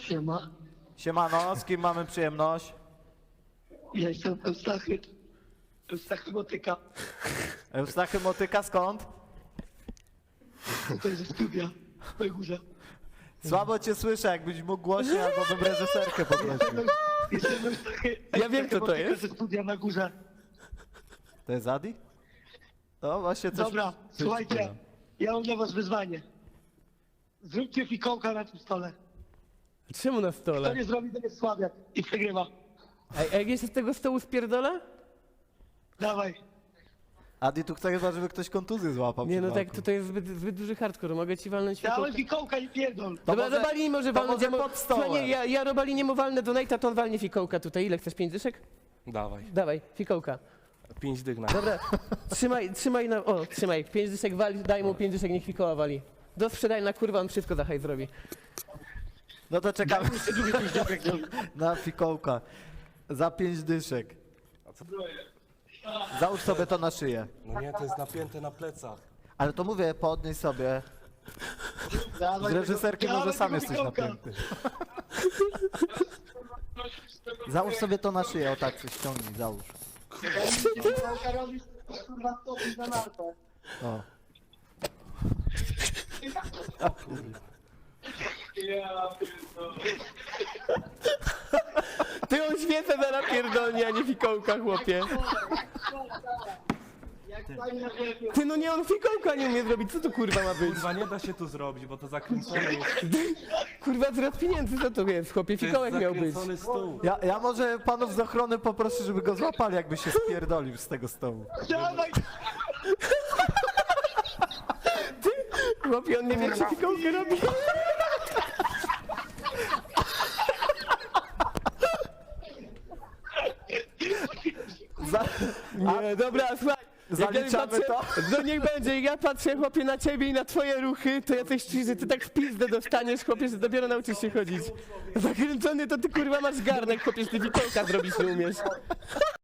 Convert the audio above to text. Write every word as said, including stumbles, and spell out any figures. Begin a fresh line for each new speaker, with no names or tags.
Siema.
Siemano, z kim mamy przyjemność?
Ja jestem Eustachy. Eustachy Motyka.
Eustachy Motyka, skąd?
Tutaj ze studia. Na górze.
Słabo cię słyszę, jakbyś mógł głośniej albo bym reżyserkę poprosił.
Jestem Eustachy.
Ja wiem, kto to
Motyka
jest.
ze studia na górze.
To jest Adi? No właśnie coś...
Dobra,
coś
słuchajcie.
czuję.
Ja mam dla was wyzwanie. Zróbcie fikołka na tym stole.
Czemu na
Kto
stole?
nie zrobi, to jest słabiak i przegrywa.
A, a jak jeszcze z tego stołu spierdolę?
Dawaj.
Adi tu chce chyba, żeby ktoś kontuzję złapał.
Nie
przed
no tak,
walką.
tutaj jest zbyt, zbyt duży hardcore, mogę ci walnąć
Dawaj
fikołka.
fikołka i pierdol.
To
Dobra,
może-
Robali może
to
walnąć,
może
ja mo-
pod stołem.
Słuchaj, nie, ja, ja Robali nie mu walnę donate'a, to on walnie fikołka tutaj. Ile chcesz, pięć dyszek?
Dawaj,
Dawaj, fikołka.
pięć dych na.
Dobra, trzymaj, trzymaj na... O, trzymaj, pięć dyszek wali, daj mu pięć dyszek, niech fikoła wali. Do sprzedaj na kurwa, on wszystko za hajs zrobi.
No to czekamy
Jeszcze drugi coś dobrego zrobi.
na fikołka. Za pięć dyszek. Załóż sobie to na szyję.
No nie, to jest napięte na plecach.
Ale to mówię, podnieś sobie.
Dawaj
Z reżyserki
tego-
może
dawaj
sam
tego
jesteś
fikołka.
napięty. Załóż sobie to na szyję, o tak się ściągnij, załóż.
Fikołka robisz, kurwa, stopisz na nartę.
O.
Ty on świecę za napierdolnie, a nie fikołka, chłopie.
Jak pani na wielkie.
Ty no nie, on fikołka nie umie zrobić, co to kurwa ma być?
Kurwa, nie da się tu zrobić, bo to zakręcone jest.
Kurwa, zwrot pieniędzy, co to jest, chłopie?
To jest
Fikołek miał być.
zakręcony stół.
Ja, ja może panów z ochrony poproszę, żeby go złapali, jakby się spierdolił z tego stołu.
Dawaj.
Chłopie, on nie wie, czy fikołkę robi.
Za,
Nie, dobra, słuchaj. jak ja
Zaliczamy
patrzę, No niech będzie, ja patrzę, chłopie, na ciebie i na twoje ruchy, to ja coś czuję, że ty tak w pizdę dostaniesz, chłopie, że dopiero nauczysz się chodzić. Zakręcony to ty kurwa masz garnek, chłopie, że ty fikołka zrobić nie umiesz.